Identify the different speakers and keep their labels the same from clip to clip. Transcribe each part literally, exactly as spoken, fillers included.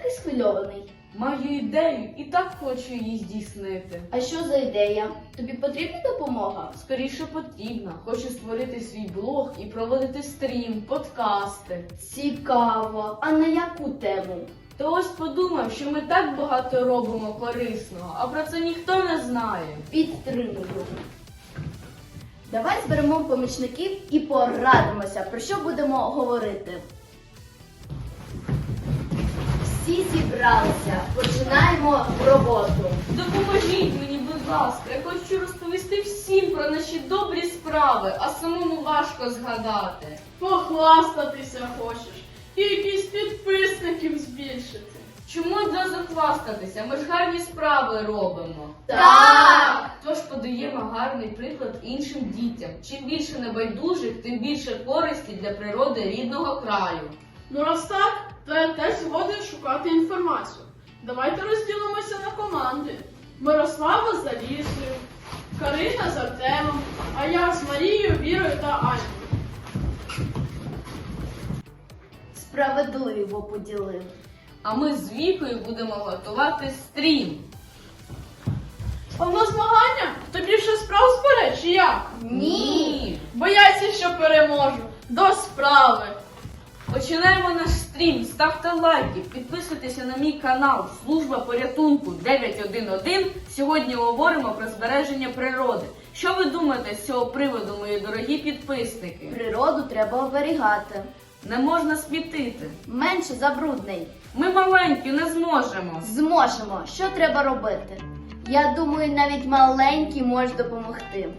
Speaker 1: такий схвильований?
Speaker 2: Маю ідею і так хочу її здійснити.
Speaker 1: А що за ідея? Тобі потрібна допомога?
Speaker 2: Скоріше потрібно. Хочу створити свій блог і проводити стрім, подкасти.
Speaker 1: Цікаво. А на яку тему?
Speaker 2: То ось подумав, що ми так багато робимо корисного, а про це ніхто не знає.
Speaker 1: Підтримую. Давай зберемо помічників і порадимося, про що будемо говорити. Всі зібралися. Починаємо роботу.
Speaker 2: Допоможіть мені, будь ласка, я хочу розповісти всім про наші добрі справи, а самому важко згадати.
Speaker 3: Похвастатися хочеш. Кількість підписників збільшити.
Speaker 2: Чому одразу хвастатися? Ми ж гарні справи робимо.
Speaker 1: Так!
Speaker 2: Тож подаємо гарний приклад іншим дітям. Чим більше небайдужих, тим більше користі для природи рідного краю.
Speaker 3: Ну раз так, то я теж згоден шукати інформацію. Давайте розділимося на команди. Мирослава з Алісою, Карина з Артемом, а я з Марією, Вірою та Анькою.
Speaker 1: Справедливо поділив.
Speaker 2: А ми з Вікою будемо готувати стрім.
Speaker 3: А в нас змагання? Хто більше справ збере, чи як?
Speaker 1: Ні.
Speaker 3: Бояться, що переможу. До справи.
Speaker 2: Починаємо наш стрім. Ставте лайки, підписуйтеся на мій канал Служба порятунку дев'ять один один. Сьогодні говоримо про збереження природи. Що ви думаєте з цього приводу, мої дорогі підписники?
Speaker 1: Природу треба оберігати.
Speaker 2: Не можна смітити.
Speaker 1: Менше забруднень.
Speaker 2: Ми маленькі, не зможемо.
Speaker 1: Зможемо. Що треба робити? Я думаю, навіть маленький може допомогти.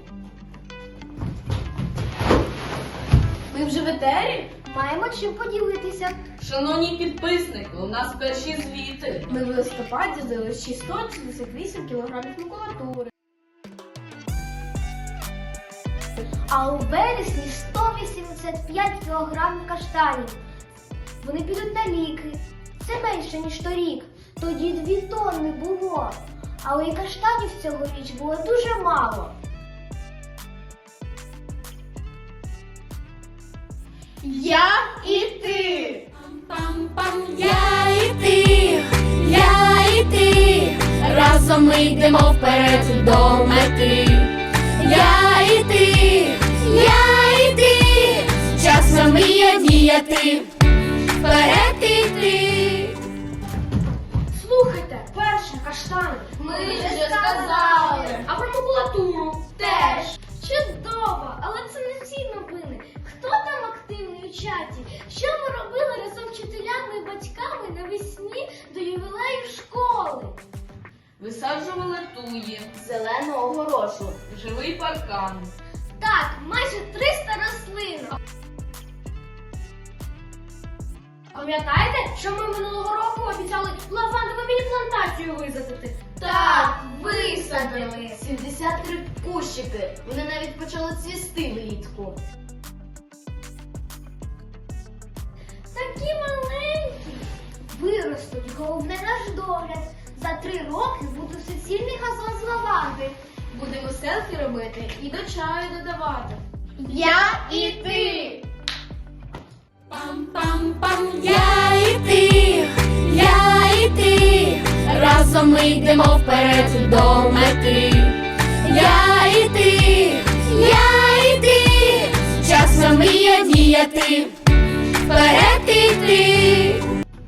Speaker 3: Ми вже в етері?
Speaker 1: Маємо чим поділитися.
Speaker 2: Шановні підписники, у нас перші звіти.
Speaker 1: Ми в листопаді здали шістсот шістдесят вісім кілограмів макулатури.
Speaker 4: А у вересні сто вісімдесят п'ять кілограмів каштанів. Вони підуть на ліки. Це менше, ніж торік. Тоді дві тонни було. Але і каштанів цьогоріч було дуже мало.
Speaker 3: Я і ти.
Speaker 5: Пам-пам, я і ти, я і ти, разом ми йдемо вперед до мети. Я і ти, я і ти, час нам мрія діяти, вперед іти.
Speaker 4: Слухайте, перше каштани. Ми
Speaker 1: вже сказали.
Speaker 4: А про макулатуру теж. Чудово, але це не всі новини. Хто там активний у чаті? Що ми робили разом з вчителями і батьками навесні до ювілею школи?
Speaker 2: Висаджували туї,
Speaker 1: Зелену огорошу.
Speaker 2: живий паркан.
Speaker 4: Так, майже триста рослин. Пам'ятаєте, що ми минулого року обіцяли лавандову міні-плантацію висадити?
Speaker 1: Так, висадили. сімдесят три кущики. Вони навіть почали цвісти влітку.
Speaker 4: Такі маленькі. Виростуть, головне наш догляд. За три роки буде суцільний газон з лаванди.
Speaker 1: Будемо селфі робити і до чаю додавати.
Speaker 4: Я і ти.
Speaker 5: Пам-пам-пам, я і ти, я і ти, разом ми йдемо вперед до мети. Я і ти, я і ти, час нам мрія діяти, вперед іти.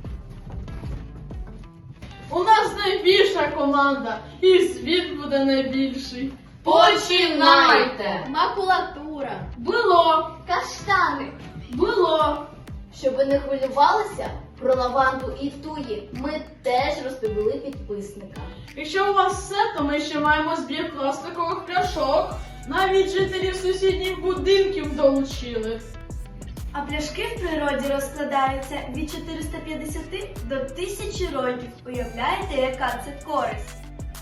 Speaker 3: У нас найбільша команда, і звіт буде найбільший.
Speaker 2: Починайте!
Speaker 1: Макулатура.
Speaker 3: Було,
Speaker 4: Каштани.
Speaker 3: було.
Speaker 1: Щоб ви не хвилювалися про лаванду і туї, ми теж розповіли підписникам.
Speaker 3: Якщо у вас все, то ми ще маємо збір пластикових пляшок. Навіть жителів сусідніх будинків долучили.
Speaker 6: А пляшки в природі розкладаються від чотириста п'ятдесят до тисячі років. Уявляєте, яка це користь?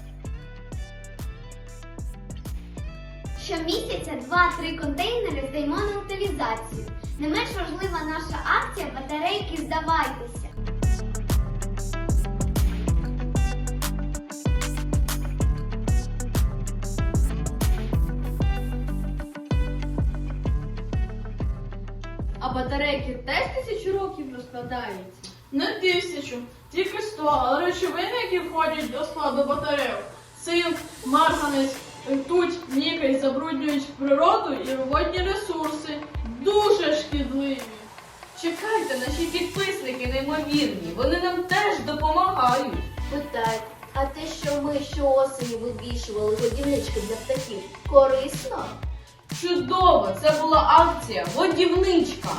Speaker 4: Щомісяця два-три контейнери здаємо на утилізацію. Не менш важлива наша акція «Батарейки здавайтеся».
Speaker 1: А батарейки теж тисячу років розкладаються?
Speaker 3: Не тисячу, Тільки сто, але речовини, які входять до складу батарейок, цинк, марганець, ртуть, нікель забруднюють природу і водні ресурси. Дуже шкідливі.
Speaker 2: Чекайте, наші підписники неймовірні, вони нам теж допомагають.
Speaker 1: Питають, а те, що ми щоосені вивішували годівнички для птахів, корисно?
Speaker 2: Чудово! Це була акція «Годівничка».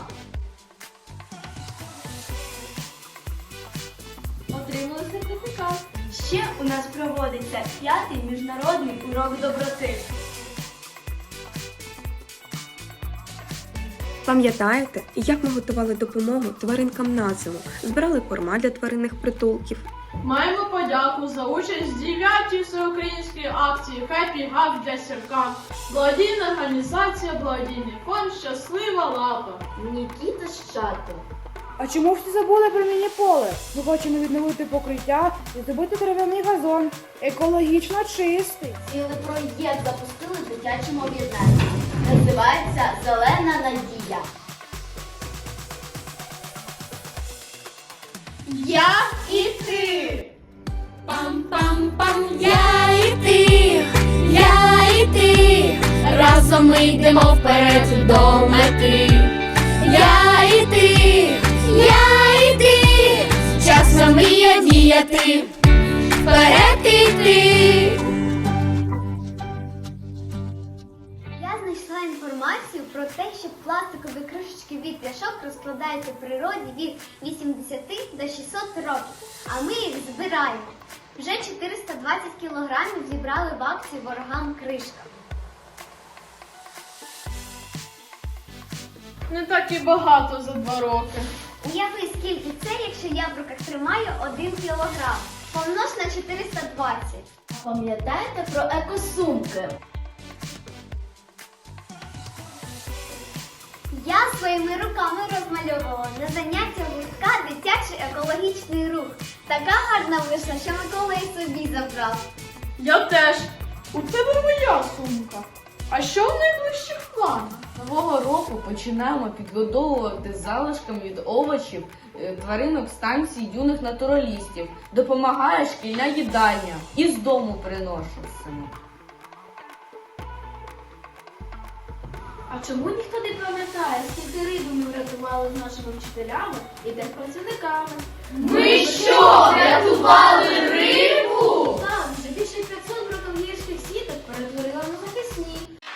Speaker 6: Отримали сертифікат. Ще у нас проводиться п'ятий міжнародний урок доброти.
Speaker 7: Пам'ятаєте, як ми готували допомогу тваринкам на зиму, збирали корма для тваринних притулків?
Speaker 3: Маємо подяку за участь в дев'ятій всеукраїнській акції «Хеппі Гак для сірка». Благодійна організація, благодійний фонд «Щаслива лапа».
Speaker 1: Нікіта з чату.
Speaker 8: А чому всі забули про міні-поле? Ми хочемо відновити покриття і зробити дерев'яний газон. Екологічно чистий.
Speaker 1: Цілий проєкт запустили в дитячому об'єднанні. Називається «Зелена надія».
Speaker 3: Я і ти!
Speaker 5: Пам-пам-пам, я і ти, я і ти, разом ми йдемо вперед до мети. Я і ти, я і ти, час нам мрія діяти, вперед іти.
Speaker 4: Я знайшла інформацію про те, що пластикові кришечки від пляшок розкладаються в природі від вісімдесяти до шістсот років, а ми їх збираємо. Вже чотириста двадцять кілограмів зібрали в акції ворогам кришка.
Speaker 3: Не так і багато за два роки.
Speaker 4: Уяви, скільки це, якщо я в руках тримаю один кілограм. Помнож на чотириста двадцять.
Speaker 1: Пам'ятаєте про екосумки?
Speaker 4: Я своїми руками розмальовувала на заняття гуртка дитячий екологічний рух. Така гарна вийшла, що Микола і собі забрав.
Speaker 3: Я теж. У тебе моя сумка. А що в найближчих планах?
Speaker 2: Нового року починаємо підгодовувати залишками від овочів е, тваринок станції юних натуралістів. Допомагає шкільна їдальня. І з дому приношу саме.
Speaker 6: А чому ніхто не пам'ятає, скільки риби ми врятували з нашими вчителями і техпрацівниками?
Speaker 1: Ми що, рятували рибу?
Speaker 6: Так, вже більше п'ятсот браконьєрських сіток перетворила на захисні.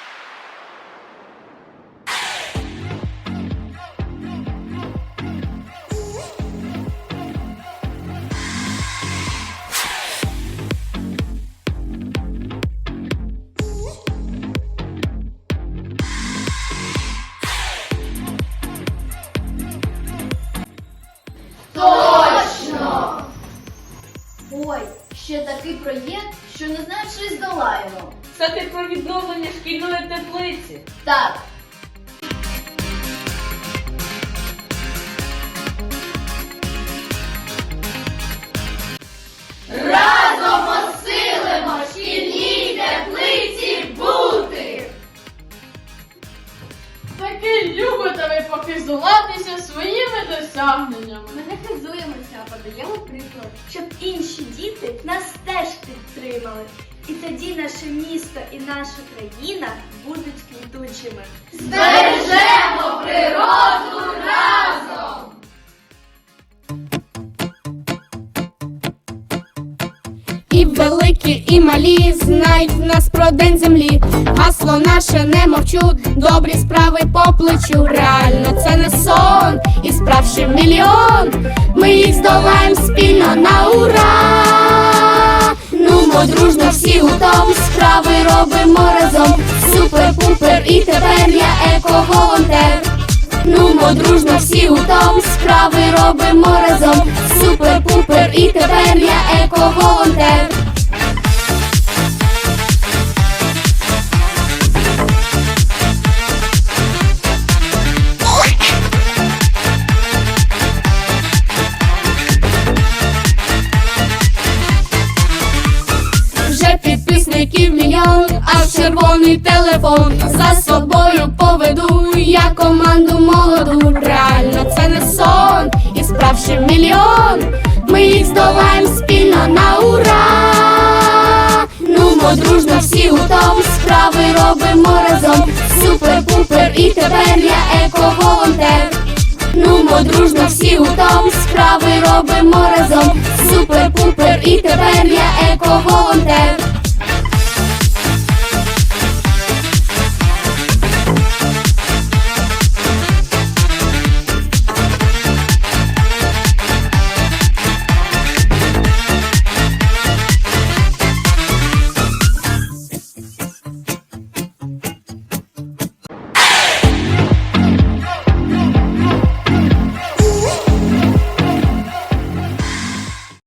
Speaker 1: Точно! Ой, ще такий проєкт, що не знаю, чи здолаємо.
Speaker 2: Це ти про відновлення шкільної теплиці.
Speaker 1: Так, разом посилимо шкільній теплиці бути!
Speaker 3: Таки любите ви похизуватися своїми досягненнями.
Speaker 6: Ми не хизуємося, а подаємо приклад, щоб інші діти нас теж підтримали. І тоді наше місто і наша країна будуть квітучими.
Speaker 1: Збережемо природу разом!
Speaker 5: І великі, і малі знають в нас про день землі. Гасло наше не мовчу, добрі справи по плечу. Реально це не сон, і справ ще мільйон. Ми їх здолаємо спільно на ура. Ну, бо дружно всі гуртом справи робимо разом. Супер-пупер, і тепер я еко-волонтер. Ну, бо дружно всі гуртом справи робимо разом. Супер-пупер, і тепер я еко-волонтер. Вже підписників мільйон, аж червоний телефон. За собою поведу я команду молоду. Реально це не сон, і справ ще мільйон. ми їх здолаєм спільно на ура. Нумо дружно всі гуртом, справи робимо разом. Супер-пупер, і тепер я еко-волонтер. Нумо дружно всі гуртом, справи робимо разом. Супер-пупер, і тепер я еко-волонтер.